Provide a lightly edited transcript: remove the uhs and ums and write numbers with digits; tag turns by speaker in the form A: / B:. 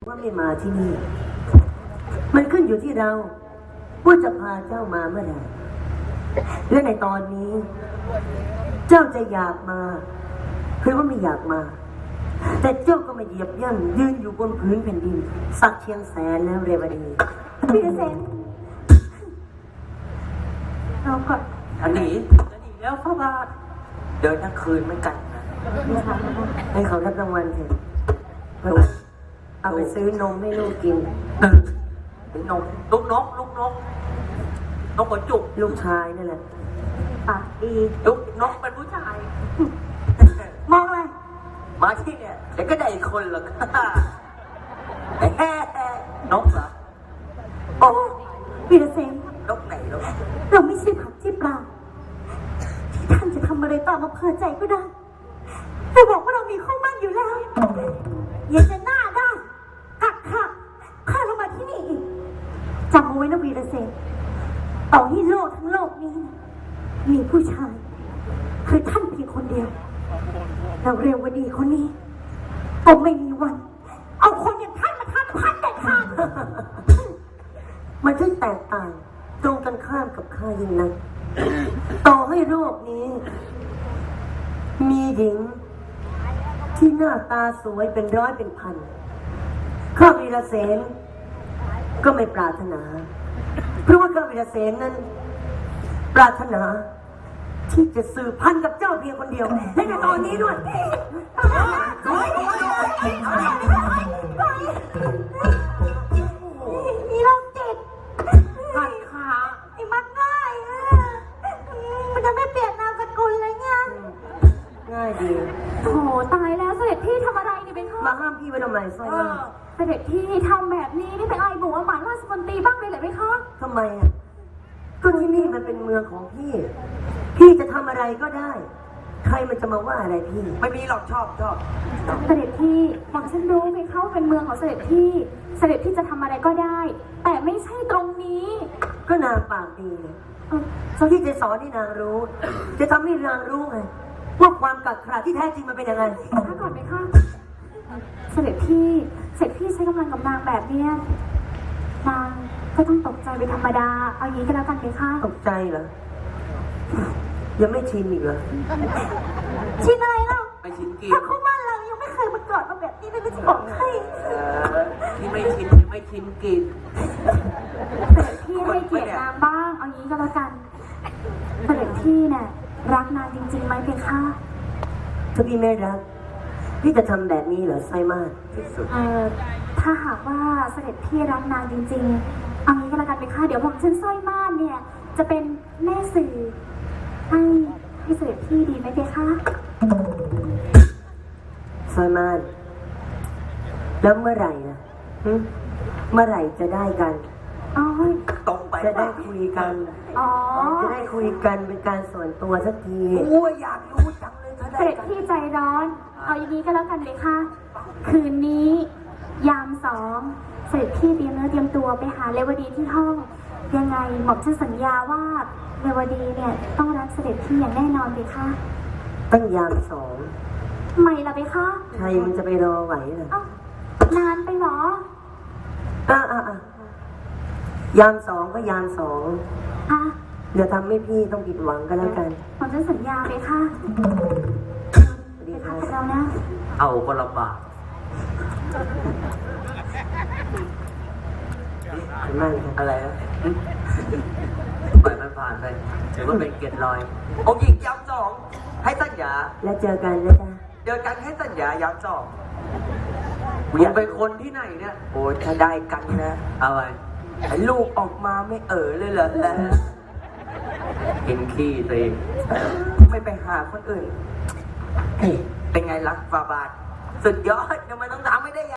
A: ว่าไม่มาที่นี่มันขึ้นอยู่ที่เราว่าจะพาเจ้ามาเมื่อไหร่และในตอนนี้ เจ้าจะอยากมาหรือว่าไม่อยากมาแต่เจ้าก็มาเหยียบย่ำยืนอยู่บนพื้นแผ่นดินสักเชียงแสนแล้วเรวดีพี่เสนเราก่อน
B: จะหนีแล้วพระบาทเดินทั้งคืนไม่กันนะ
A: ให้เขารับรางวัลเถอะเอาไปซื้อนมให้ลูกกิน
B: นกลูกนกหัวจุก
A: ลูกชายนั่นแหละปากดี
B: ลูกนกเป็นผู้ชาย
A: มองอะไร
B: มาที่เนี่ยเดี๋ยวก็ได้อีกคนหรอกนกเหรอ
A: โอ้วีรเสน
B: นกไหนนก
A: เราไม่ใช่ผักที่ปลาที่ท่านจะทำอะไรตามอำเภอใจก็ได้แต่บอกว่าเรามีข้อมั่นอยู่แล้วอย่าจะหน้าด้านกักขักข้าเรามาที่นี่อีกจำเอาไว้นะวีรเสนต่อให้โลกทั้งโลกนี้มีผู้ชายคือท่านเพียงคนเดียวเราเร็ววันดีคนนี้ก็ไม่มีวันเอาคนอย่างท่านมาทำท่านเด็ดขาดมันช่างแตกต่างตรงกันข้ามกับข้ายิ่งนักต่อให้โลกนี้มีหญิงที่หน้าตาสวยเป็นร้อยเป็นพันข้าวีรเสนก็ไม่ปรารถนาเพราะว่าข้าวีรเสนนั้นปรารถนาที่จะสืบพันธุ์กับเจ้าเพียงคนเดียวและในตอนนี้ด้วยมีโรคจิต
B: หัดขา
A: ไอ้มักง่ายมันจะไม่เปลี่ยนนามสกุลเลยเนี่ยง่ายดี
C: โถตายแล้วเสด็จพี่ทำอะไรเนี่ยเป็นข้อ
A: มาห้ามพี่ไว้ทำไมสร้อย
C: เสด็จพี่ทำแบบนี้นี่เป็นไอ้หมูหมาราชมนตรีบ้างเลยเหรอไหมคะ
A: ทำไมอ่ะก็ที่นี่มันเป็นเมืองของพี่จะทำอะไรก็ได้ ใครมันจะมาว่าอะไรพี่
B: ไม่มีหรอกชอบ
C: เสด็จพี่หม่อมฉันรู้ไหมเขาเป็นเมืองของเสด็จพี่จะทำอะไรก็ได้ แต่ไม่ใช่ตรงนี้
A: ก็นางปากดีที่จะสอนให้นางรู้จะทำให้นางรู้ไงว่าความกักขระที่แท้จริงมันเป็นยังไง
C: ถ้าก่อนไหมคะเสด็จพี่ใช้กำลังกับนางแบบเนี้ยนางก็ต้องตกใจเป็นธรรมดาเอางี้ก็แล้วกันไหมคะ
A: ตกใจเหรอยังไม่ชินอีกเหรอ
C: ชินอะไรเล่า
B: ไม่ชินกิน
C: ถ้าคู่บ้านเรายังไม่เคยมากอดมาแบบนี้เลยไม่จะบอกให้
B: ที่ไม่ชินกิน
C: เสด็จพี่ให้เกียรตินางบ้างเอางี้ก็แล้วกันเสด็จพี่เนี่ยรักนางจริงๆไหมเพคะ
A: ถ้าพี่ไม่รักพี่จะทำแบบนี้เหรอไซมาก
B: ที่สุด
C: ถ้าหากว่าเสด็จพี่รักนางจริงๆเอางี้ก็แล้วกันเพคะเดี๋ยวผมสร้อยม่านเนี่ยจะเป็นแม่สื่อให้เสด็จพี่ดีไหมเพคะ
A: ไซมากแล้วเมื่อไหร่นะเมื่อไหร่จะได้กัน
B: ตรงไป
A: จะได้คุยกันจะได้คุยกันเป็นการส่วนตัวสักที
B: อยากรู้จังเลย
C: เสด็จพี่ใจร้อนเอาอย่างนี้ก็แล้วกันเลยค่ะคืนนี้ยาม2เสด็จพี่เตรียมเนื้อเตรียมตัวไปหาเรวดีที่ห้องยังไงหม่อมฉันสัญญาว่าเรวดีเนี่ยต้องรักเสด็จพี่อย่างแน่นอนเลยค่ะ
A: ตั้งยาม2
C: ไม่ละไปค่ะ
A: ใครมันจะไปรอไหวเหร
C: อนานไปหร
A: อยาม2ก็ยาม2เดี๋ยวทำให้พี่ต้องผิดหวังก็แล้วกัน
C: ผมจะสัญญาเลยค่ะ
A: ดีค่ะ
C: เรานะ
B: เอาก็ลำบากอะไรนะปล่อยมันผ่านไปถือว่าเป็นเกียรติลอยองค์หญิงย้ำ2ให้สัญญา
A: แล้วเจอกันนะจ๊ะ
B: เจอกันให้สัญญาย้ำ2มึงเป็นคนที่ไหนเนี่ยโอ้ยถ้าได้กันนะอะไรไอ้ลูกออกมาไม่เลยเหรอกินขี้ตัวเองไม่ไปหาคนอื่นเป็นไงล่ะฟาบาทสุดยอดทำไมต้องทำไม่ได้